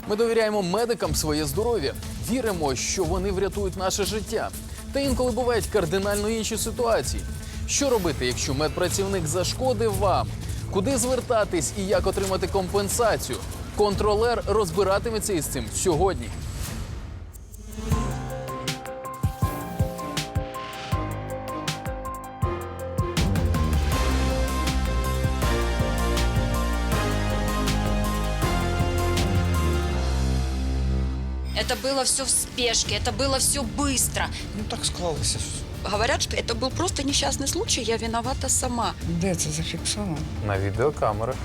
Ми довіряємо медикам своє здоров'я, віримо, що вони врятують наше життя. Та інколи бувають кардинально інші ситуації. Що робити, якщо медпрацівник зашкодив вам? Куди звертатись і як отримати компенсацію? Контролер розбиратиметься із цим сьогодні. Это было все в спешке, это было все быстро. Ну так склалося. Говорят, что это был просто несчастный случай, я виновата сама. Де це зафіксовано? На відеокамерах.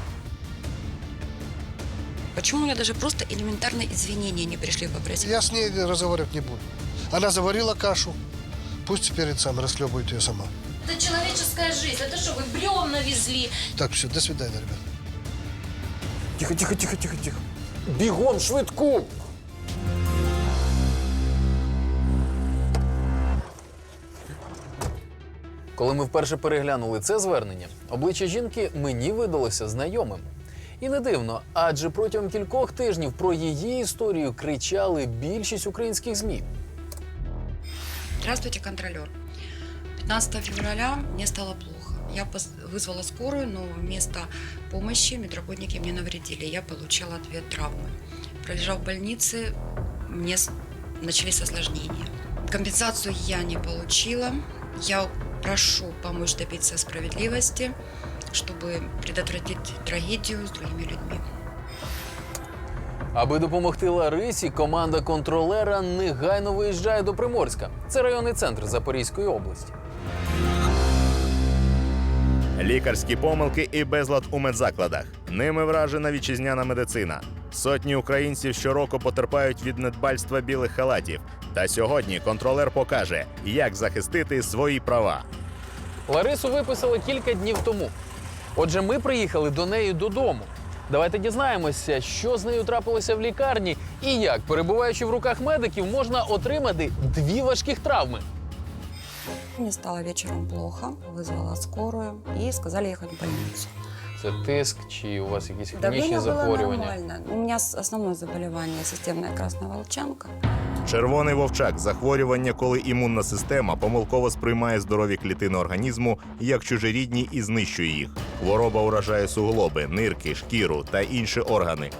Почему у меня даже просто элементарные извинения не пришли попросить? Я с ней разговаривать не буду. Она заварила кашу. Пусть теперь сам расхлебывает ее сама. Это человеческая жизнь. Это что, вы бревна везли? Так, все, до свидания, ребят. Тихо, тихо, тихо, тихо, тихо. Бігом, швидку! Коли ми вперше переглянули це звернення, обличчя жінки мені видалося знайомим. І не дивно, адже протягом кількох тижнів про її історію кричали більшість українських ЗМІ. Здравствуйте, контролер. 15 февраля мне стало плохо. Я вызвала скорую, но вместо помощи медработники мне навредили. Я получала 2 травмы. Пролежав в больнице, мне начались осложнения. Компенсацию я не получила. Я прошу помочь добиться справедливости, чтобы предотвратить трагедию с другими людьми. Аби допомогти Ларисі, команда контролера негайно виїжджає до Приморська. Це районний центр Запорізької області. Лікарські помилки і безлад у медзакладах. Ними вражена вітчизняна медицина. Сотні українців щороку потерпають від недбальства білих халатів. Та сьогодні контролер покаже, як захистити свої права. Ларису виписали кілька днів тому. Отже, ми приїхали до неї додому. Давайте дізнаємося, що з нею трапилося в лікарні і як, перебуваючи в руках медиків, можна отримати 2 важких травми. Мне стало вечером плохо, вызвала скорую и сказали ехать в больницу. Це тиск чи у вас якісь Давление хронічні было захворювання? нормально. У меня основное заболевание – системная красная волчанка. Червоний вовчак – захворювання, коли імунна система помилково сприймає здорові клітини організму як чужорідні і знищує їх. Хвороба уражає суглоби, нирки, шкіру та інші органи.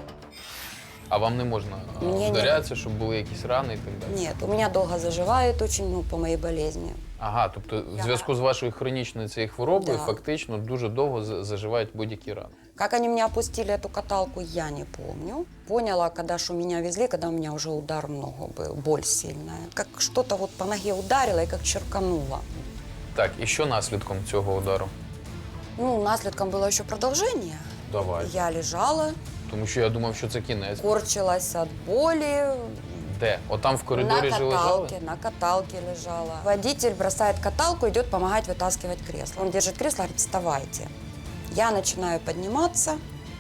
А вам не можна Ні, вдарятися, щоб були якісь рани і так далі? Нет, у меня долго заживает очень, по моей болезни. Ага, тобто в зв'язку з вашою хронічною цією хворобою Да. фактично дуже довго заживають будь-які рани. Как они меня опустили, эту каталку, я не помню. Поняла, когда что меня везли, когда у меня уже удар в ногу был, боль сильная. Как что-то вот по ноге ударило и как черкануло. Так, і що наслідком цього удару? Ну, наследком было еще продолжение. Давай. Я лежала, Тому що я думав, що це кінець. корчилась от боли. Де? Отам в коридорі же лежали? На каталке лежала. Водитель бросает каталку, идет помогать вытаскивать кресло. Он держит кресло, говорит, вставайте. Я начинаю подниматься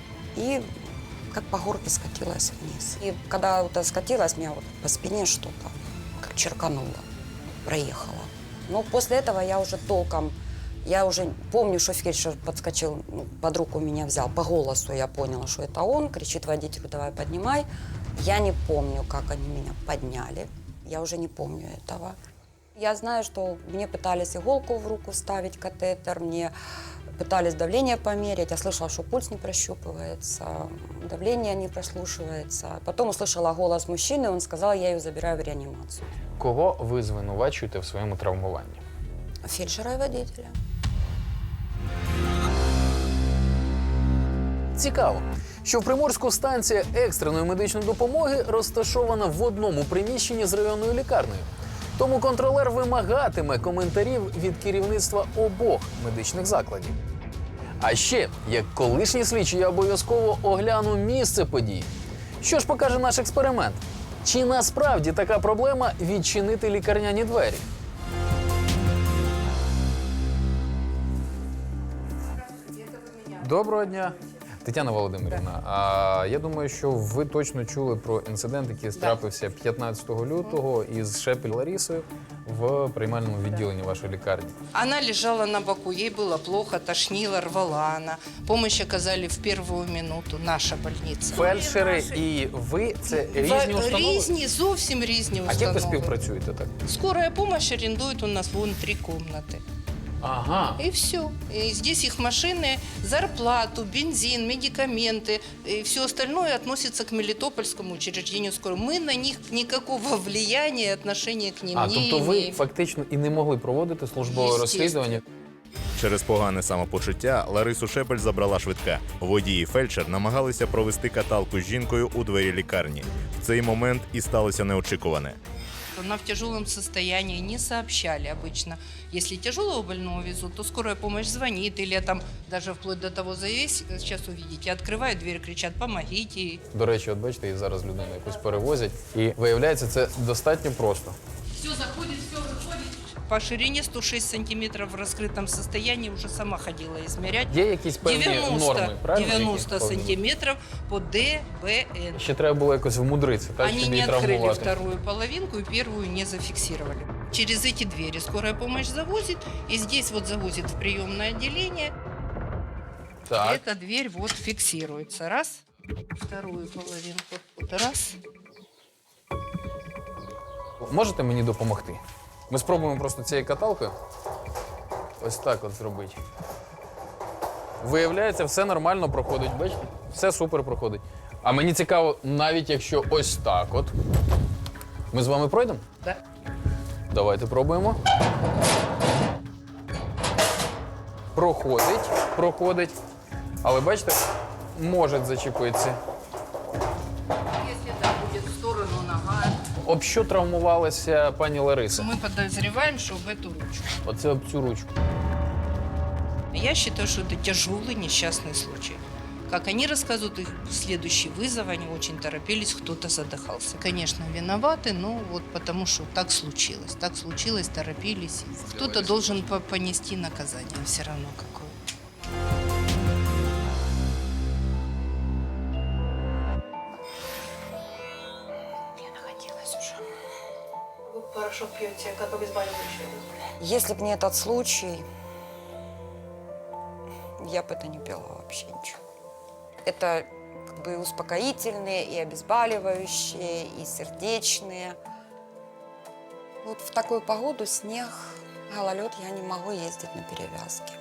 и как по горке скатилась вниз. И когда вот скатилась, меня вот по спине что-то как черкануло, проехало. Но после этого я уже толком, я уже помню, что фельдшер подскочил, под руку меня взял. По голосу я поняла, что это он. Кричит водителю, давай поднимай. Я не помню, как они меня подняли. Я уже не помню этого. Я знаю, что мне пытались иголку в руку вставить, катетер, мне пытались давление померить. Я слышала, что пульс не прощупывается, давление не прослушивается. Потом услышала голос мужчины, он сказал, я ее забираю в реанимацию. Кого ви звинувачуєте в своєму травмуванні? Фельдшера и водителя. Цікаво, що в Приморську станція екстреної медичної допомоги розташована в одному приміщенні з районною лікарнею. Тому контролер вимагатиме коментарів від керівництва обох медичних закладів. А ще, як колишній слідчий, я обов'язково огляну місце подій. Що ж покаже наш експеримент? Чи насправді така проблема відчинити лікарняні двері? Доброго дня. Тетяна Володимирівна, я думаю, що ви точно чули про інцидент, який трапився 15 лютого із Шепель Ларісою в приймальному відділенні вашої лікарні? Она лежала на боку, ей было плохо, тошнила, рвала она. Помощь оказали в первую минуту, наша больница. Фельдшери і ви – це різні установи? Різні, зовсім різні А установи. як ви співпрацюєте так? Скорая помощь арендует у нас вон 3 комнаты. Ага. И все. И здесь их машины, зарплату, бензин, медикаменты и все остальное относится к Мелитопольскому учреждению скорой. Мы на них никакого влияния, отношения к ним А, не тобто ви имеем. фактично і не могли проводити службове Естественно. розслідування? Через погане самопочуття Ларису Шепель забрала швидка. Водій і фельдшер намагалися провести каталку з жінкою у двері лікарні. В цей момент і сталося неочікуване. Она в тяжелом состоянии, не сообщали обычно. Если тяжелого больного везут, то скорая помощь звонит или там даже вплоть до того завесь, сейчас увидите, открывают дверь, кричат «помогите». До речі, от бачите, і зараз людину якусь перевозять. І виявляється, це достатньо просто. Все заходит, все выходит. По ширине 106 сантиметров в раскрытом состоянии уже сама ходила измерять. Є якісь певні 90, норми, правильно? 90 які повинні? сантиметров по ДБН. Ще треба було якось вмудритися, так, Они щоб не її открыли травмувати. вторую половинку и первую не зафиксировали. Через эти двери скорая помощь завозит, и здесь вот завозит в приемное отделение. Так. Эта дверь вот фиксируется. Раз. Вторую половинку. Вот раз. Можете мені допомогти? Ми спробуємо просто цією каталкою ось так от зробити. Виявляється, все нормально проходить, бачите? Все супер проходить. А мені цікаво, навіть якщо ось так от. Ми з вами пройдемо? Да. Давайте пробуємо. Проходить. Але бачите, може зачепитися. Если это будет в сторону нога, Об що травмувалася пані Лариса? мы подозреваем, что в эту ручку. Оце об цю ручку. Я считаю, что это тяжелый несчастный случай. Как они рассказывают, их следующий вызов, они очень торопились, кто-то задыхался. Конечно, виноваты, но вот потому что так случилось, торопились. Кто-то должен понести наказание все равно какое. Я находилась уже. Вы порошок пьете, как обезболивающее? Если бы не этот случай, я бы это не пила вообще ничего. Это как бы успокоительные, и обезболивающие, и сердечные. Вот в такую погоду, снег, гололед, я не могу ездить на перевязки.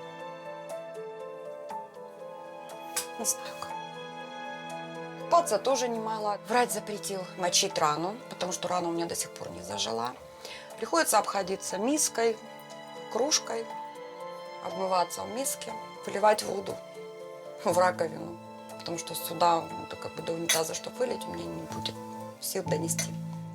Не знаю как. Купаться тоже не могла. Врач запретил мочить рану, потому что рана у меня до сих пор не зажила. Приходится обходиться миской, кружкой, обмываться в миске, выливать воду в раковину. Потому что сюда, ну, как бы до унитаза, чтобы вылить, у меня не будет сил донести.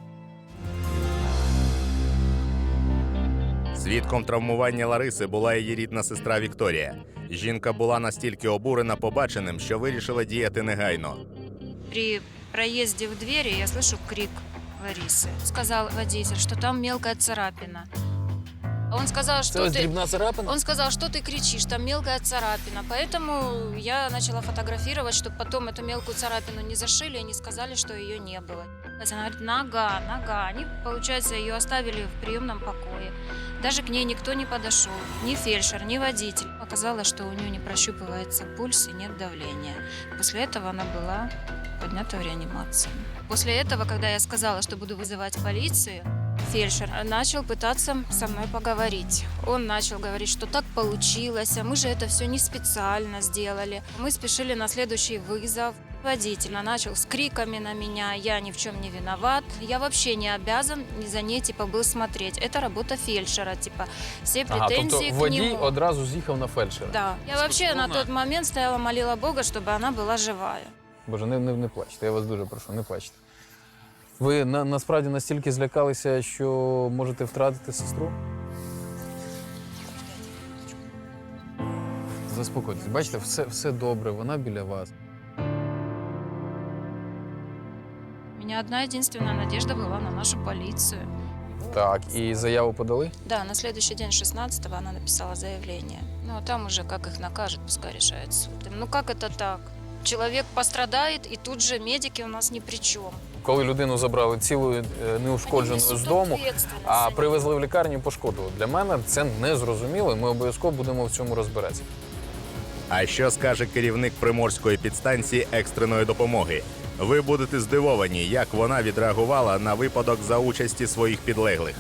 Свідком травмування Лариси була її рідна сестра Вікторія. Жінка була настільки обурена побаченим, що вирішила діяти негайно. При проезде в двери я слышу крик Ларисы. Сказал водитель, что там мелкая царапина. Он сказал, Це что ось ты... дрібна царапина? Он сказал, что ты кричишь, там мелкая царапина. Поэтому я начала фотографировать, чтобы потом эту мелкую царапину не зашили и не сказали, что ее не было. Она говорит, нога. Они, получается, ее оставили в приемном покое. Даже к ней никто не подошел. Ни фельдшер, ни водитель. Оказалось, что у нее не прощупывается пульс и нет давления. После этого она была поднята в реанимацию. После этого, когда я сказала, что буду вызывать полицию, фельдшер начал пытаться со мной поговорить. Он начал говорить, что так получилось, а мы же это все не специально сделали. Мы спешили на следующий вызов. Водитель начал с криками на меня, я ни в чем не виноват, я вообще не обязан за ней, типа, был смотреть. Это работа фельдшера, типа, все претензии тобто к водій нему. одразу з'їхав на фельдшера? Да. Я вообще на тот момент стояла, молила Бога, чтобы она была живая. Боже, не плачте, я вас дуже прошу, не плачте. Ви насправді настільки злякалися, що можете втратити сестру? Заспокойтесь, бачите, все добре, вона біля вас. У меня одна единственная надежда была на нашу полицию. Так, і заяву подали? Да, на следующий день, 16-го, она написала заявление. Ну, а там уже как их накажет, пускай решает суд. Ну, как это так? человек пострадает, и тут же медики у нас ни при чем. Коли людину забрали цілою неушкодженою з дому, а привезли в лікарню і пошкодили. Для мене це незрозуміло, і ми обов'язково будемо в цьому розбиратися. А що скаже керівник Приморської підстанції екстреної допомоги? Ви будете здивовані, як вона відреагувала на випадок за участі своїх підлеглих.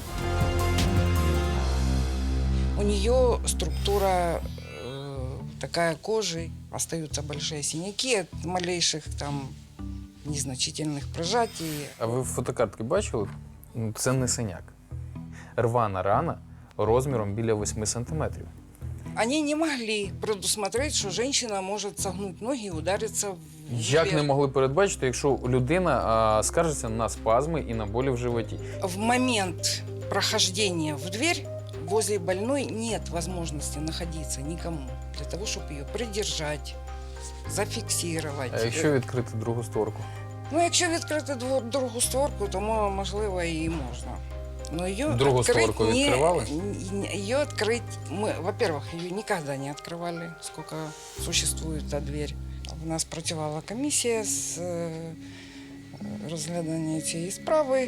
У нее структура такая кожи, остаются большие синяки от малейших там незначительных прожатий. А ви фотокартки бачили? Ну, це не синяк. Рвана рана розміром біля 8 сантиметрів. Они не могли предусмотреть, что женщина может согнуть ноги и удариться в Як не могли передбачити, якщо людина скаржиться на спазми і на болі в животі? В момент прохождения в дверь возле больной нет возможности находиться никому для того, чтобы ее придержать, зафиксировать. А якщо відкрити другу створку? Ну, якщо відкрити другу створку, то можливо і можна. Но ее Другу створку відкривали? Ее открыть мы, во-первых, ее никогда не открывали, сколько существует эта дверь. У нас працювала комісія з розглядання цієї справи.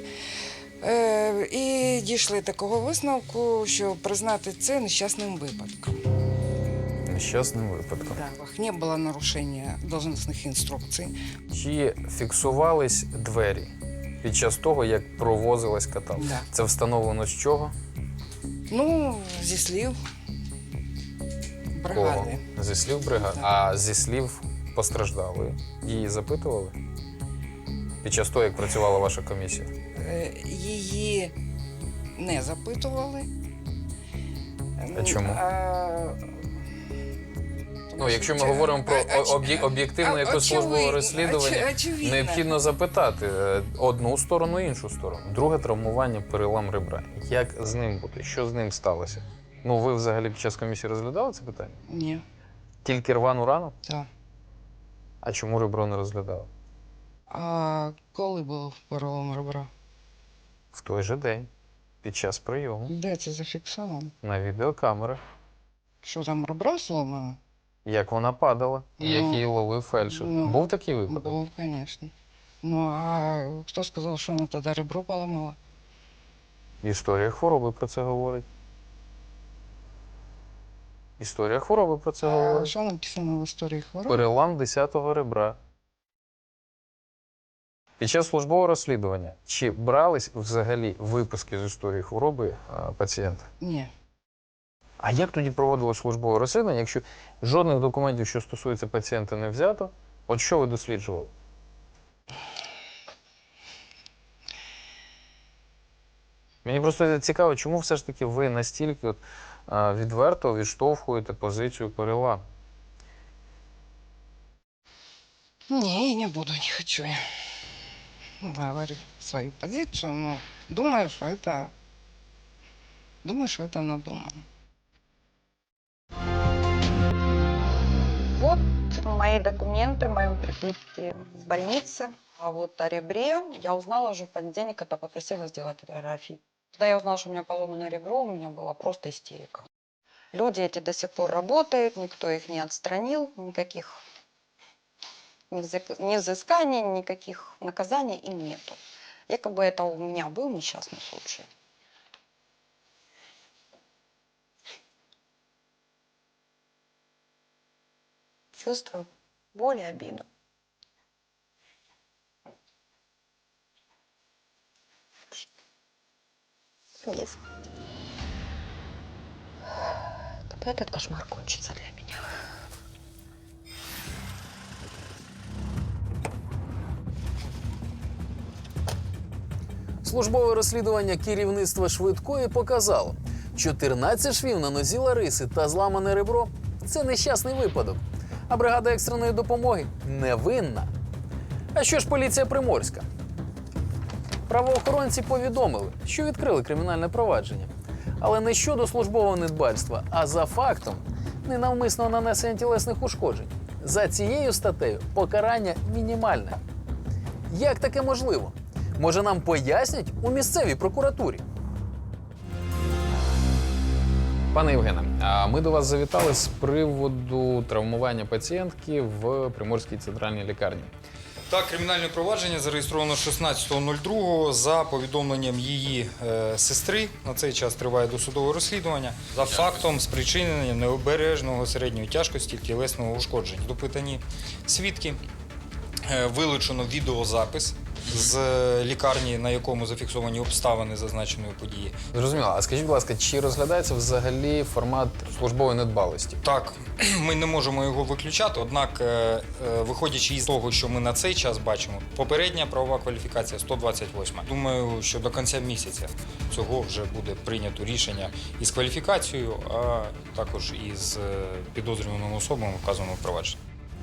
І дійшли такого висновку, що признати це нещасним випадком. Нещасним випадком. Так, не було нарушення должностних інструкцій. Чи фіксувались двері під час того, як провозилась каталка? Да. Це встановлено з чого? Ну, зі слів бригади. Кого? Зі слів бригади. Так. А зі слів постраждалої її запитували? Під час того, як працювала ваша комісія? Її не запитували. А чому? Ну, якщо ми Чи- говоримо про а- об'єктивне якесь службове очевидно, розслідування, очевидно. необхідно запитати одну сторону, іншу сторону. Друге травмування, перелам ребра. Як з ним бути? Що з ним сталося? Ну, ви взагалі під час комісії розглядали це питання? Ні, Тільки рвану рану? так. А чому ребро не розглядали? А коли був перелом ребра? В той же день, під час прийому, Де це зафіксовано? на відеокамерах. Що там ребро сломано? Як вона падала, і як Ну, її ловив фельдшер. ну, Був такий випадок? Був, звісно. Ну, а хто сказав, що вона тоді ребро поламала? Історія хвороби про це говорить. Історія хвороби про це А говорить. що написано в історії хвороби? Перелам 10-го ребра. Під час службового розслідування чи брались взагалі виписки з історії хвороби пацієнта? Ні. А як тоді проводилось службове розслідування, якщо жодних документів, що стосується пацієнта, не взято? От що ви досліджували? Мені просто цікаво, чому все ж таки ви настільки відверто відштовхуєте позицію перелам? Ні, не буду, не хочу я говорить свою позицию, но думаю, что это надумано. Вот мои документы, мои прибытие в больнице. А вот о ребре я узнала уже в понедельник, когда попросила сделать фотографии. Когда я узнала, что у меня поломано ребро, у меня была просто истерика. Люди эти до сих пор работают, никто их не отстранил, никаких ни взысканий, никаких наказаний им нету. Якобы это у меня был несчастный случай. Чувствую боль и обиду. Есть. Когда этот кошмар кончится для меня? Службове розслідування керівництва швидкої показало, 14 швів на нозі Лариси та зламане ребро – це нещасний випадок. А бригада екстреної допомоги невинна. А що ж поліція Приморська? Правоохоронці повідомили, що відкрили кримінальне провадження. Але не щодо службового недбальства, а за фактом ненавмисного нанесення тілесних ушкоджень. За цією статтею покарання мінімальне. Як таке можливо? Може, нам пояснять у місцевій прокуратурі? Пане Євгене, А ми до вас завітали з приводу травмування пацієнтки в Приморській центральній лікарні. Так, кримінальне провадження зареєстровано 16.02 за повідомленням її сестри. На цей час триває досудове розслідування за фактом спричинення необережного середньої тяжкості тілесного ушкодження. Допитані свідки, вилучено відеозапис з лікарні, на якому зафіксовані обставини зазначеної події. Зрозуміло. А скажіть, будь ласка, чи розглядається взагалі формат службової недбалості? Так, ми не можемо його виключати, однак, виходячи із того, що ми на цей час бачимо, попередня правова кваліфікація 128. Думаю, що до кінця місяця цього вже буде прийнято рішення із кваліфікацією, а також із підозрюваними особами вказаного провадження.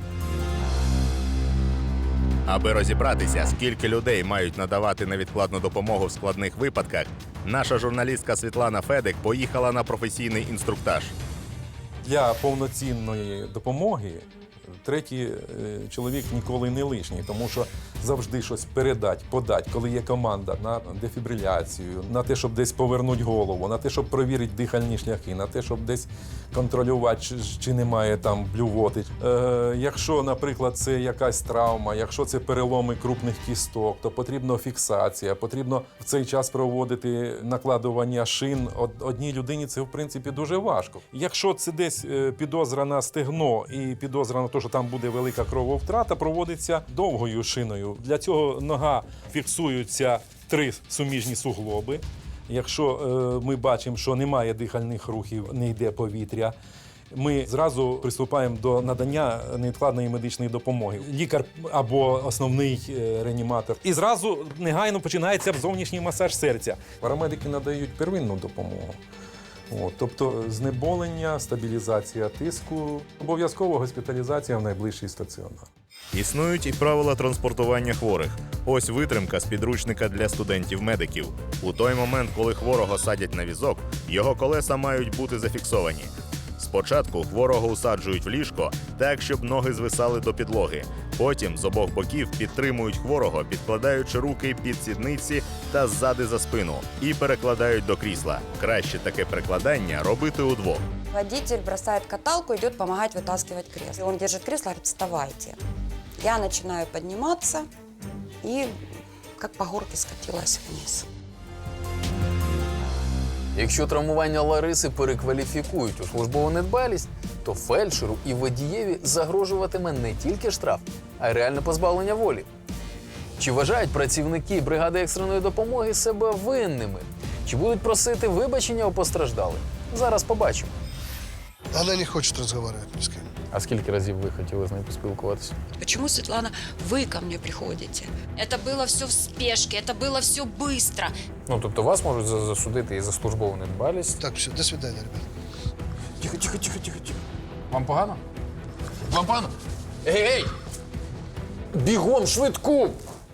Аби розібратися, скільки людей мають надавати невідкладну допомогу в складних випадках, наша журналістка Світлана Федик поїхала на професійний інструктаж. Для повноцінної допомоги третій чоловік ніколи не лишній, тому що завжди щось передати, подати, коли є команда на дефібриляцію, на те, щоб десь повернути голову, на те, щоб перевірити дихальні шляхи, на те, щоб десь контролювати, чи немає там блювоти. Якщо, наприклад, це якась травма, якщо це переломи крупних кісток, то потрібна фіксація, потрібно в цей час проводити накладування шин. Одній людині це, в принципі, дуже важко. Якщо це десь підозра на стегно і підозра на те, що там буде велика крововтрата, проводиться довгою шиною. Для цього нога фіксуються 3 суміжні суглоби. Якщо ми бачимо, що немає дихальних рухів, не йде повітря, ми зразу приступаємо до надання невідкладної медичної допомоги. Лікар або основний реаніматор. І зразу негайно починається зовнішній масаж серця. Парамедики надають первинну допомогу. Тобто знеболення, стабілізація тиску, обов'язково госпіталізація в найближчий стаціонар. Існують і правила транспортування хворих. Ось витримка з підручника для студентів-медиків. У той момент, коли хворого садять на візок, його колеса мають бути зафіксовані. Спочатку хворого усаджують в ліжко так, щоб ноги звисали до підлоги. Потім з обох боків підтримують хворого, підкладаючи руки під сідниці та ззади за спину і перекладають до крісла. Краще таке перекладання робити удвох. Водитель бросает каталку, идет помогать вытаскивать кресло. Он держит кресло, говорит, вставайте. Я начинаю подниматься и как по горке скатилась вниз. Якщо травмування Лариси перекваліфікують у службову недбалість, то фельдшеру і водієві загрожуватиме не тільки штраф, а й реальне позбавлення волі. Чи вважають працівники бригади екстреної допомоги себе винними? Чи будуть просити вибачення у постраждалих? Зараз побачимо. Она не хочет разговаривать ни с кем. А скільки разів ви хотіли з нею поспілкуватися? Почему, Светлана, вы ко мне приходите? Это было все в спешке, это было все быстро. Ну, тобто вас можуть засудити і за службову недбалість. Так, все, до свидания, ребят. Тихо. Вам погано? Вам погано? Ей! Бігом, швидку!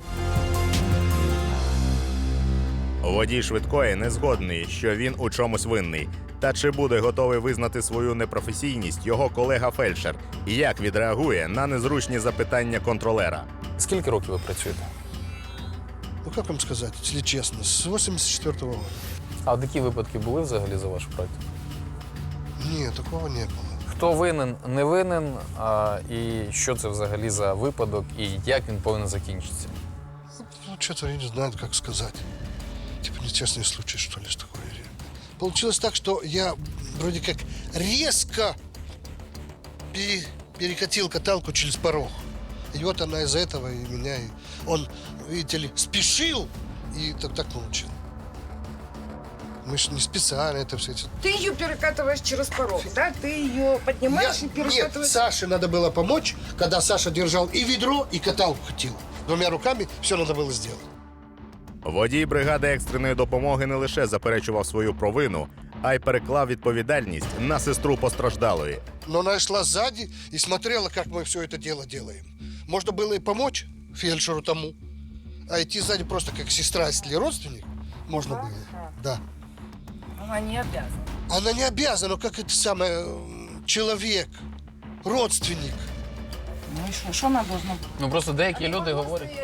Водій швидкої не згодний, що він у чомусь винний. Та чи буде готовий визнати свою непрофесійність його колега-фельдшер? І як відреагує на незручні запитання контролера? Скільки років ви працюєте? Ну, как вам сказать, если честно, с 84-го года. А такі випадки були взагалі за вашу практику? Нет, такого не было. Хто винен, не винен, і що це взагалі за випадок, і як він повинен закінчитися? Ну, что-то я не знаю, как сказать. Типа несчастный случай, что ли, с такой. Получилось так, что я вроде как резко перекатил каталку через порог. И вот она из-за этого и меня, и он, видите ли, спешил, и так получил. Мы же не специально это все. Ты ее перекатываешь через порог, да? Ты ее поднимаешь и перекатываешь? Нет, Саше надо было помочь, когда Саша держал и ведро, и каталку хотел. Двумя руками все надо было сделать. Водій бригади екстреної допомоги не лише заперечував свою провину, а й переклав відповідальність на сестру постраждалої. Но она шла сзади и смотрела, как мы все это дело делаем. Можно было и помочь фельдшеру тому, а идти сзади просто как сестра, если родственник, можно было. Да. Она не обязана. Она не обязана, но как это самое, человек, родственник. Ну и что она должна быть? Ну просто деякі люди говорять.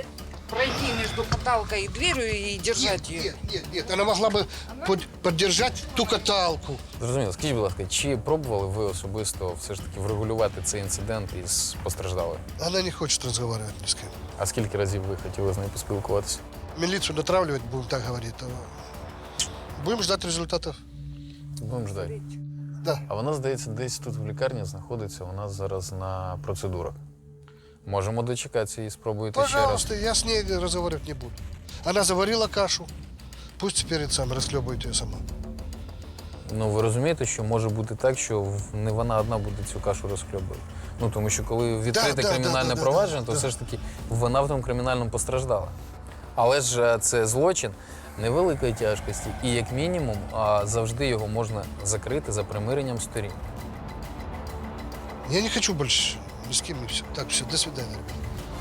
пройти между каталкой и дверью и держать ее. Нет, она могла бы поддержать ту каталку. Зрозуміло, скажіть, будь ласка, чи пробували ви особисто все ж таки врегулювати цей інцидент із постраждалою? Она не хочет разговаривать ни с кем. А скільки разів ви хотіли з нею поспілкуватися? Милицию натравливать, будем так говорить. Будем ждать результатов. Будемо ждати. Да. А вона, здається, десь тут в лікарні знаходиться, вона зараз на процедурах. Можемо дочекатися і спробуєте ще раз. Пожалуйста, я с ней разговаривать не буду. Она заварила кашу. Пусть теперь сам расхлебывает ее сама. Ну, ви розумієте, що може бути так, що не вона одна буде цю кашу розхльобувати. Ну, тому що коли відкрите кримінальне провадження, то все ж таки вона в тому кримінальному постраждала. Але ж це злочин невеликої тяжкості. І як мінімум завжди його можна закрити за примиренням сторін. Я не хочу больше ни с кем, и все. Так, все, до свидания, ребята.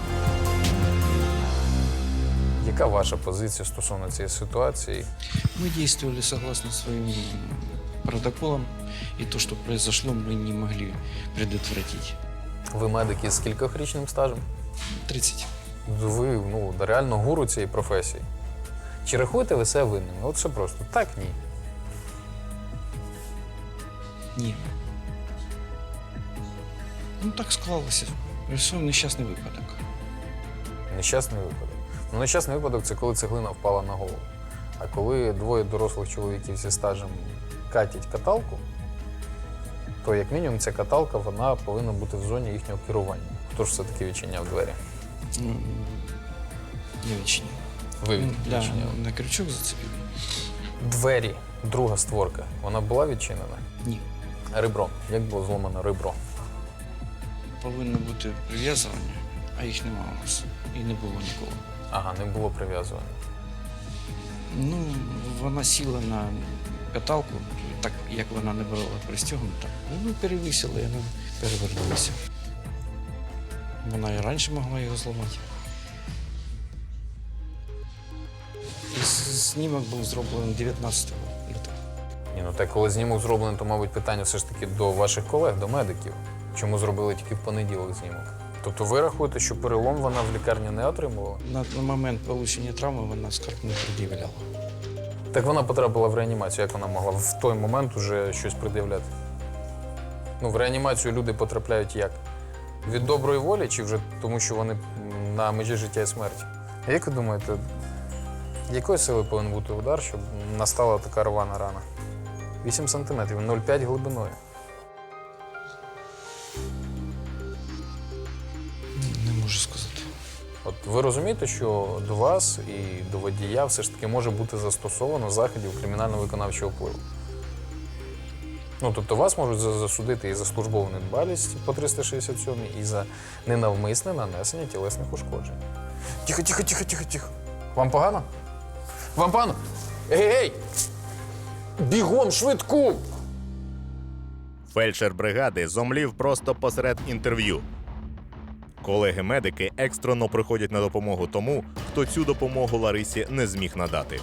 Яка ваша позиція стосовно цієї ситуації? Мы действовали согласно своим протоколам, и то, что произошло, мы не могли предотвратить. Ви медики з кількохрічним стажем? 30. Ви реально гуру цієї професії. Чи рахуєте ви себе винними? От все просто. Так, ні. Ні. Ну, так склалося. Все нещасний випадок. Нещасний випадок. Ну, нещасний випадок – це коли цеглина впала на голову. А коли двоє дорослих чоловіків зі стажем катять каталку, то як мінімум ця каталка вона повинна бути в зоні їхнього керування. Хто ж все-таки відчиняв двері? Ну, я відчиняв. Ви Да, відчиняли. на крючок зацепив. Двері, друга створка, вона була відчинена? Ні. Ребро. Як було зломано ребро? Повинно бути прив'язування, а їх немає у нас. І не було ніколи. Ага, не було прив'язування. Ну, вона сіла на каталку, так як вона не була пристягнута. Ну, перевисила, і вона перевернулася. Вона і раніше могла його зламати. І знімок був зроблений 19 лютого. Ні, ну так, коли знімок зроблений, то, мабуть, питання все ж таки до ваших колег, до медиків. Чому зробили тільки в понеділок знімок? Тобто ви рахуєте, що перелом вона в лікарні не отримувала? На момент отримання травми вона скарг не пред'являла. Так вона потрапила в реанімацію. Як вона могла в той момент уже щось пред'являти? Ну, в реанімацію люди потрапляють як? Від доброї волі чи вже тому, що вони на межі життя і смерті? А як ви думаєте, якої сили повинен бути удар, щоб настала така рвана рана? 8 сантиметрів, 0,5 глибиною. Не можу сказати. От ви розумієте, що до вас і до водія все ж таки може бути застосовано заходів кримінально-виконавчого впливу? Ну, тобто вас можуть засудити і за службову недбалість по 367 і за ненавмисне нанесення тілесних ушкоджень. Тихо, тихо, тихо, тихо, тихо. Вам погано? Вам погано? Ей-ей! Бігом, швидку! Фельдшер бригади зомлів просто посеред інтерв'ю. Колеги-медики екстрено приходять на допомогу тому, хто цю допомогу Ларисі не зміг надати.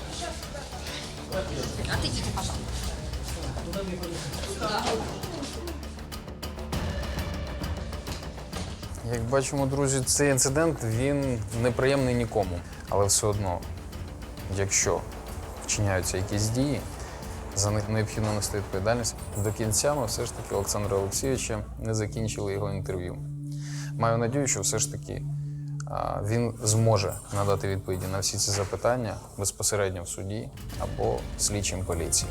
Як бачимо, друзі, цей інцидент, він неприємний нікому. Але все одно, якщо вчиняються якісь дії, за них необхідно нести відповідальність. До кінця ми все ж таки Олександра Олексійовича не закінчили його інтерв'ю. Маю надію, що все ж таки він зможе надати відповіді на всі ці запитання безпосередньо в суді або слідчим поліції.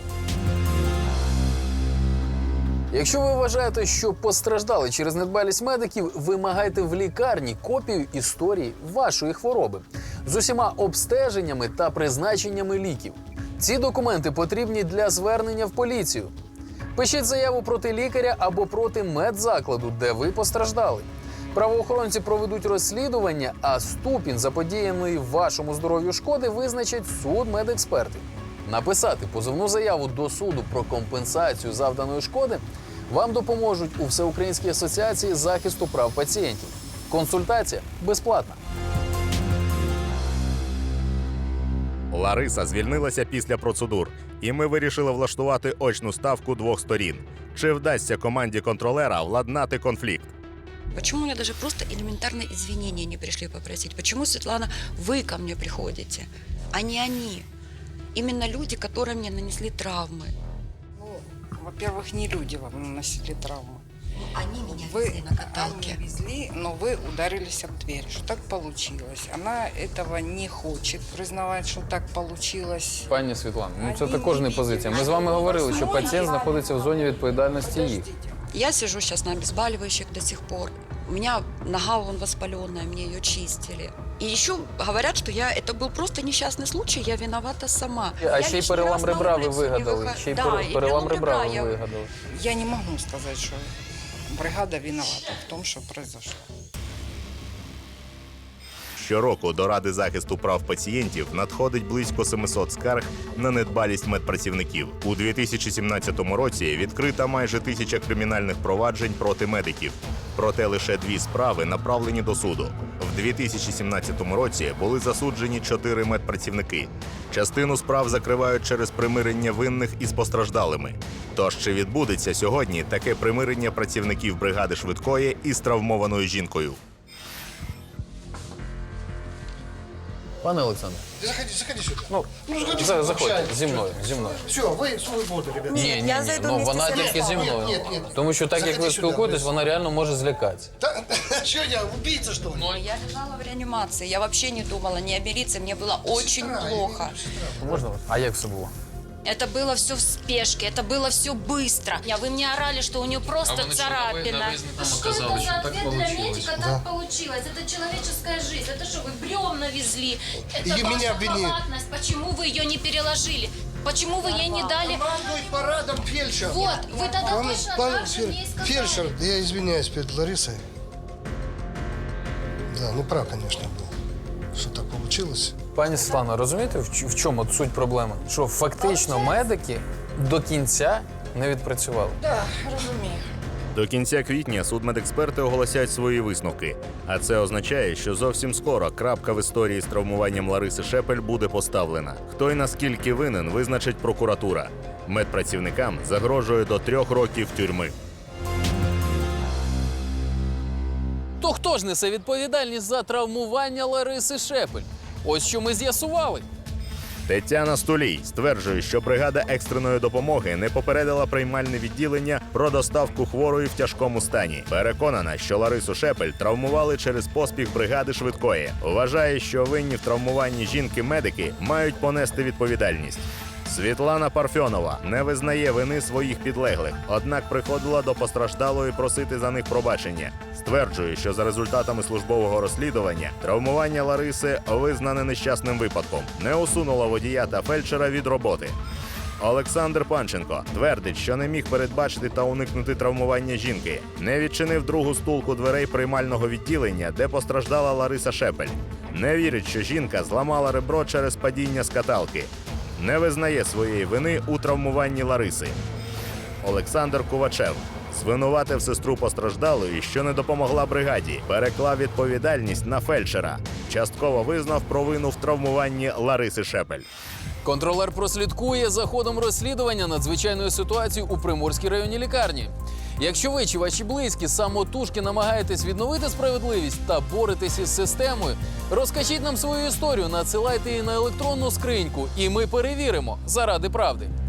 Якщо ви вважаєте, що постраждали через недбалість медиків, вимагайте в лікарні копію історії вашої хвороби з усіма обстеженнями та призначеннями ліків. Ці документи потрібні для звернення в поліцію. Пишіть заяву проти лікаря або проти медзакладу, де ви постраждали. Правоохоронці проведуть розслідування, а ступінь заподіяної вашому здоров'ю шкоди визначать судмедексперти. Написати позовну заяву до суду про компенсацію завданої шкоди вам допоможуть у Всеукраїнській асоціації захисту прав пацієнтів. Консультація безплатна. Лариса звільнилася після процедур, і ми вирішили влаштувати очну ставку двох сторін. Чи вдасться команді контролера владнати конфлікт? Почему мне даже просто элементарные извинения не пришли попросить? Почему, Светлана, вы ко мне приходите, а не они? Именно люди, которые мне нанесли травмы. Ну, во-первых, не люди вам наносили травму. Они меня Вы везли на каталке. везли, но вы ударились об дверь. Что так получилось? Она этого не хочет признавать, що так получилось. Пані Світлано, ну це також не позиція. Ми з вами говорили, що пацієнт знаходиться в зоні відповідальності їх. Я сижу сейчас на обезболивающих до сих пор. У меня нога вон воспаленная, мне ее чистили. И еще говорят, что это был просто несчастный случай, я виновата сама. А ще й перелам ребра ви вигадали. Ще й перелам ребра ви вигадали. Я не могу сказать, что бригада виновата в том, что произошло. Щороку до Ради захисту прав пацієнтів надходить близько 700 скарг на недбалість медпрацівників. У 2017 році відкрита майже 1000 кримінальних проваджень проти медиків. Проте лише 2 справи направлені до суду. В 2017 році були засуджені 4 медпрацівники. Частину справ закривають через примирення винних із постраждалими. Тож чи відбудеться сьогодні таке примирення працівників бригади швидкої із травмованою жінкою? Пане Олександре, Заходи сюда. ну, заходьте зі мною. Все, вы свободы, ребята. Ні, я зайду ну вместе вона з тільки зі мною. Ні. Тому що так, як ви Заходи сюди, спілкуєтесь, ви- вона реально може злякатися. Что я, убийца, что ли? Я лежала в реанимации, я вообще не думала ни о милиции, мне было очень плохо. Можна вас? А як все було? Это было все в спешке, это было все быстро. Вы мне орали, что у нее просто царапина. Что это за ответ для медика? Так получилось. Это человеческая жизнь. Это что, вы бревна везли? Это И ваша меня обвинили. халатность. Почему вы ее не переложили? Почему вы ей не дали? Командует парадом фельдшер. Вот, вы тогда точно так же мне и сказали. Фельдшер, я извиняюсь перед Ларисой. Да, не прав, конечно, был, что так получилось. Пані Світлано, розумієте, в чому суть проблеми? Що фактично медики до кінця не відпрацювали. Да, розумію. До кінця квітня судмедексперти оголосять свої висновки. А це означає, що зовсім скоро крапка в історії з травмуванням Лариси Шепель буде поставлена. Хто й наскільки винен, визначить прокуратура. Медпрацівникам загрожує до 3 років тюрми. То хто ж несе відповідальність за травмування Лариси Шепель? Ось що ми з'ясували. Тетяна Стулій стверджує, що бригада екстреної допомоги не попередила приймальне відділення про доставку хворої в тяжкому стані. Переконана, що Ларису Шепель травмували через поспіх бригади швидкої. Вважає, що винні в травмуванні жінки-медики мають понести відповідальність. Світлана Парфьонова не визнає вини своїх підлеглих, однак приходила до постраждалої просити за них пробачення. Стверджує, що за результатами службового розслідування травмування Лариси визнане нещасним випадком, не усунула водія та фельдшера від роботи. Олександр Панченко твердить, що не міг передбачити та уникнути травмування жінки, не відчинив другу стулку дверей приймального відділення, де постраждала Лариса Шепель. Не вірить, що жінка зламала ребро через падіння з каталки. Не визнає своєї вини у травмуванні Лариси. Олександр Кувачев звинуватив сестру постраждалої, що не допомогла бригаді, переклав відповідальність на фельдшера. Частково визнав провину в травмуванні Лариси Шепель. Контролер прослідкує за ходом розслідування надзвичайної ситуації у Приморській районній лікарні. Якщо ви чи ваші близькі самотужки намагаєтесь відновити справедливість та боретесь із системою, розкажіть нам свою історію, надсилайте її на електронну скриньку, і ми перевіримо заради правди.